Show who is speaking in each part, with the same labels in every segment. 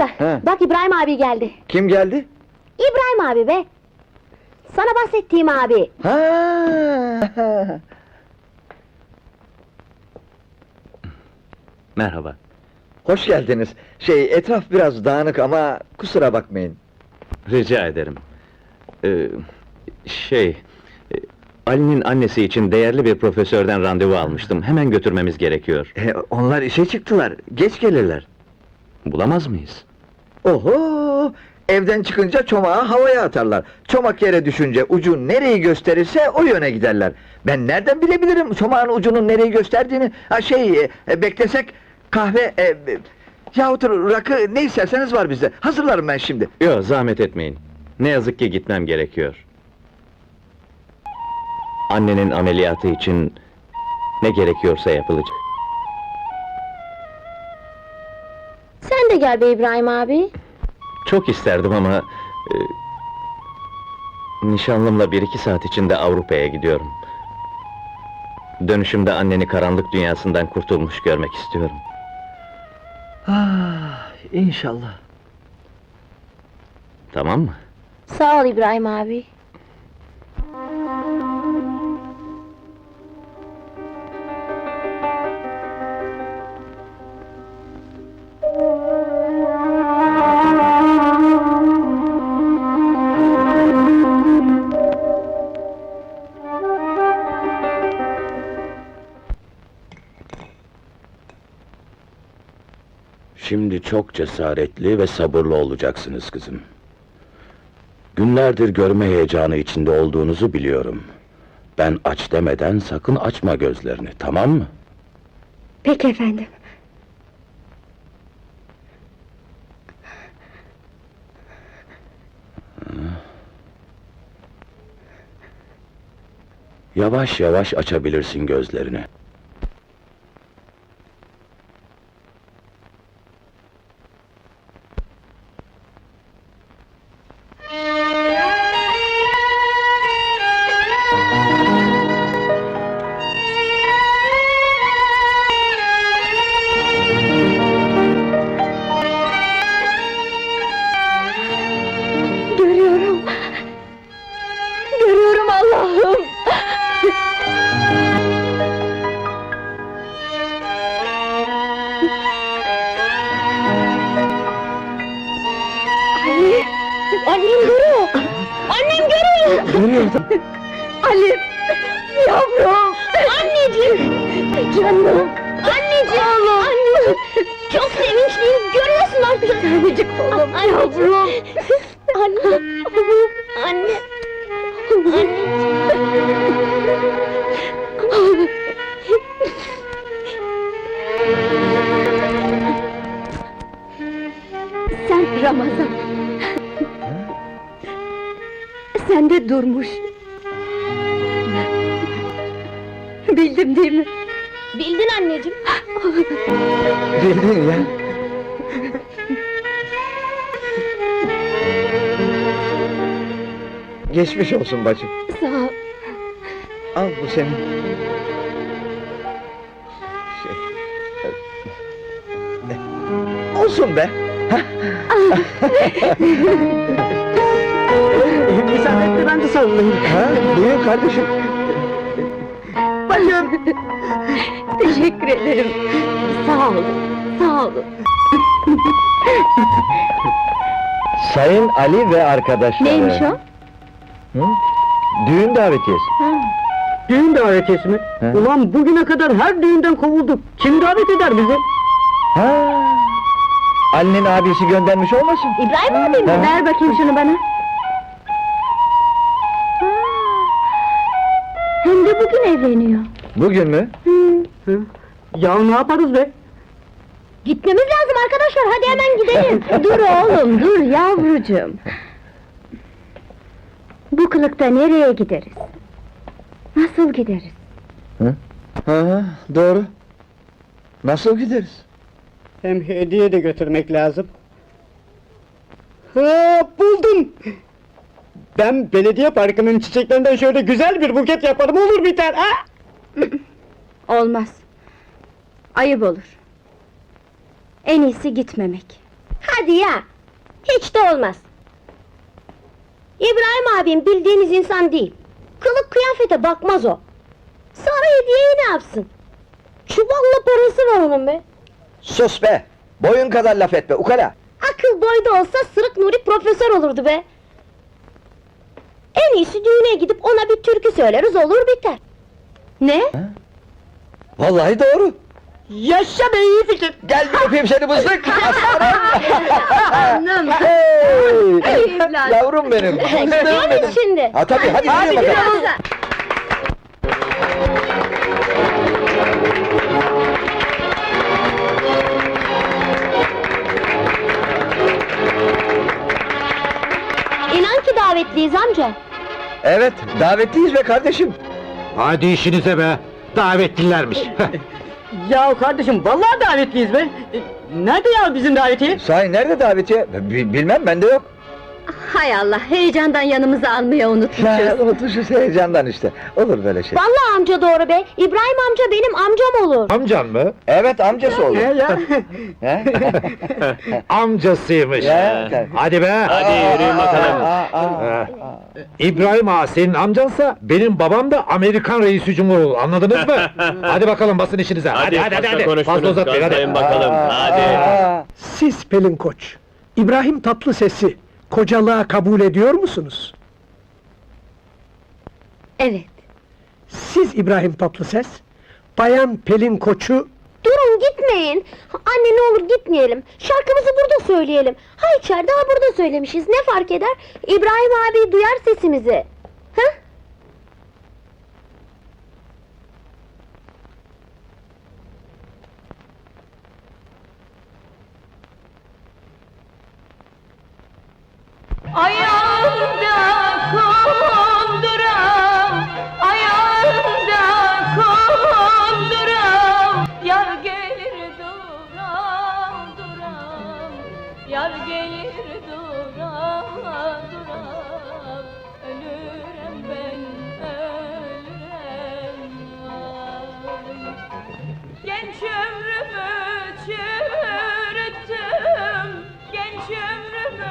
Speaker 1: amca,
Speaker 2: He.
Speaker 1: bak İbrahim abi geldi.
Speaker 2: Kim geldi?
Speaker 1: İbrahim abi be! Sana bahsettiğim abi.
Speaker 2: Ha.
Speaker 3: Merhaba.
Speaker 2: Hoş geldiniz. Etraf biraz dağınık ama kusura bakmayın.
Speaker 3: Rica ederim. Ali'nin annesi için değerli bir profesörden randevu almıştım. Hemen götürmemiz gerekiyor.
Speaker 2: Onlar işe çıktılar. Geç gelirler.
Speaker 3: Bulamaz mıyız?
Speaker 2: Oho! Evden çıkınca çomağı havaya atarlar. Çomak yere düşünce ucu nereyi gösterirse o yöne giderler. Ben nereden bilebilirim çomağın ucunun nereyi gösterdiğini? Beklesek kahve yahut rakı ne isterseniz var bizde. Hazırlarım ben şimdi.
Speaker 3: Yok, zahmet etmeyin. Ne yazık ki gitmem gerekiyor. Annenin ameliyatı için ne gerekiyorsa yapılacak.
Speaker 1: Sen de gel be İbrahim abi.
Speaker 3: Çok isterdim ama... nişanlımla 1-2 saat içinde Avrupa'ya gidiyorum. Dönüşümde anneni karanlık dünyasından kurtulmuş görmek istiyorum.
Speaker 2: İnşallah.
Speaker 3: Tamam mı?
Speaker 1: Sağ ol İbrahim abi.
Speaker 4: Şimdi çok cesaretli ve sabırlı olacaksınız kızım. Günlerdir görme heyecanı içinde olduğunuzu biliyorum. Ben aç demeden sakın açma gözlerini, tamam mı?
Speaker 1: Peki efendim.
Speaker 4: Yavaş yavaş açabilirsin gözlerini.
Speaker 1: Görüyorum. Görüyorum Allah'ım. Ali! Annem görüyor! Annem görüyor!
Speaker 2: Görüyordum.
Speaker 1: Ali! Yavrum! Anneciğim! Canım! Anneciğim! Oğlum! Anneciğim! Çok sevinçliyim, görüyorsun artık! Tanecik oğlum, yavrum! Anne! Anne! Sen Ramazan! Sen de Durmuş! Bildim değil mi? Bildin anneciğim!
Speaker 2: Bildin ya. Geçmiş olsun bacım.
Speaker 1: Sağ ol!
Speaker 2: Al bu senin. Olsun be.
Speaker 5: Müsaadenle ben de sarılayım.
Speaker 2: Buyur kardeşim.
Speaker 5: Bacım!
Speaker 1: Teşekkür ederim! Sağ olun, sağ olun!
Speaker 2: Sayın Ali ve arkadaşları.
Speaker 1: Neymiş o?
Speaker 2: Hı? Düğün davetiyesi.
Speaker 5: Düğün davetiyesi mi?
Speaker 2: He.
Speaker 5: Ulan bugüne kadar her düğünden kovulduk. Kim davet eder bizi?
Speaker 2: Ha. Ali'nin abisi göndermiş olmasın?
Speaker 1: İbrahim abi mi?
Speaker 2: He.
Speaker 1: Ver bakayım şunu bana! Hem de bugün evleniyor!
Speaker 2: Bugün mü?
Speaker 5: Ya ne yaparız be?
Speaker 1: Gitmemiz lazım arkadaşlar, hadi hemen gidelim! Dur oğlum, dur yavrucuğum! Bu kılıkta nereye gideriz? Nasıl gideriz?
Speaker 2: Ha, doğru. Nasıl gideriz?
Speaker 5: Hem hediye de götürmek lazım. Ha, buldum! Ben belediye parkının çiçeklerinden şöyle güzel bir buket yaparım, olur biter ha?
Speaker 1: Olmaz! Ayıp olur! En iyisi gitmemek! Hadi ya! Hiç de olmaz! İbrahim abim bildiğiniz insan değil. Kılık kıyafete bakmaz o. Sonra hediyeyi ne yapsın? Çuvalla parası var onun be!
Speaker 2: Sus be! Boyun kadar laf etme, ukala!
Speaker 1: Akıl boyda olsa Sırık Nuri profesör olurdu be! En iyisi düğüne gidip ona bir türkü söyleriz, olur biter! Ne?
Speaker 2: Vallahi doğru!
Speaker 5: Yaşa be, iyi fikir!
Speaker 2: Gel bir öpeyim seni mızık!
Speaker 1: Anam!
Speaker 2: Hey!
Speaker 1: Evladım.
Speaker 2: Yavrum benim!
Speaker 1: Gidiyor muyuz şimdi?
Speaker 2: Ha tabii, hadi yürü bakalım!
Speaker 1: gidiyoruz. İnan ki davetliyiz amca.
Speaker 2: Evet, davetliyiz be kardeşim!
Speaker 6: Hadi işinize be! Davetlilermiş!
Speaker 5: Ya kardeşim, vallahi davetliyiz be! Nerede ya bizim davetiye?
Speaker 2: Sahi nerede davetiye? Bilmem, bende yok.
Speaker 1: Hay Allah, heyecandan yanımıza almayı unutmuşuz.
Speaker 2: Unutmuşuz heyecandan işte. Olur böyle şey.
Speaker 1: Vallahi amca doğru be, İbrahim amca benim amcam olur.
Speaker 6: Amcan mı?
Speaker 2: Evet, amcası olur.
Speaker 5: ya?
Speaker 2: He?
Speaker 6: Amcasıymış!
Speaker 2: Ya.
Speaker 6: Hadi be!
Speaker 3: Hadi yürüyün bakalım.
Speaker 6: Ha. İbrahim ağa senin amcansa, benim babam da Amerikan reisi cumhuru, anladınız mı? Hadi bakalım, basın işinize! Hadi! Fazla uzatmayın, hadi!
Speaker 3: Konuşmayın bakalım, hadi!
Speaker 7: Siz Pelin Koç, İbrahim Tatlıses'i kocalığa kabul ediyor musunuz?
Speaker 1: Evet.
Speaker 7: Siz İbrahim Tatlıses, Bayan Pelin Koç'u
Speaker 1: Durun gitmeyin. Anne ne olur gitmeyelim. Şarkımızı burada söyleyelim. Ha içeride ha burada söylemişiz. Ne fark eder? İbrahim abi duyar sesimizi. Ha?
Speaker 8: Ayağımda konduram, ayağımda konduram, yar gelir duram duram, yar gelir duram duram, ölürüm ben ölürüm ay. Genç ömrümü çürüttüm, genç ömrümü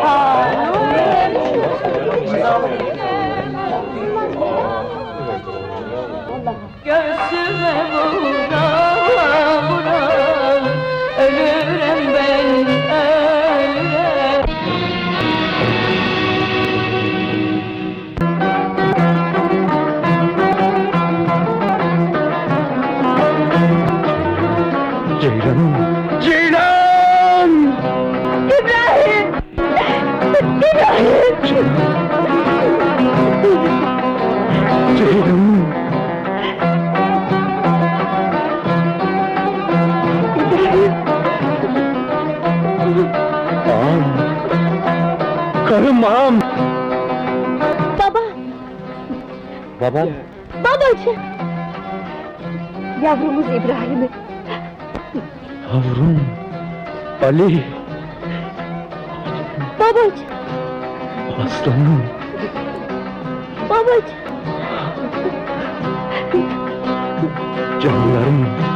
Speaker 8: göğsüme vura vura, ölürüm ben ölürüm.
Speaker 7: Ceylan!
Speaker 1: İbrahim! İbrahim!
Speaker 7: Ceylan! Ağam! Karım ağam!
Speaker 1: Baba!
Speaker 2: Baba?
Speaker 1: Babacığım! Yavrumuz İbrahim'i.
Speaker 7: Yavrum! Ali!
Speaker 1: Babacığım!
Speaker 7: Aslanım!
Speaker 1: Babacığım!
Speaker 7: Canlarım!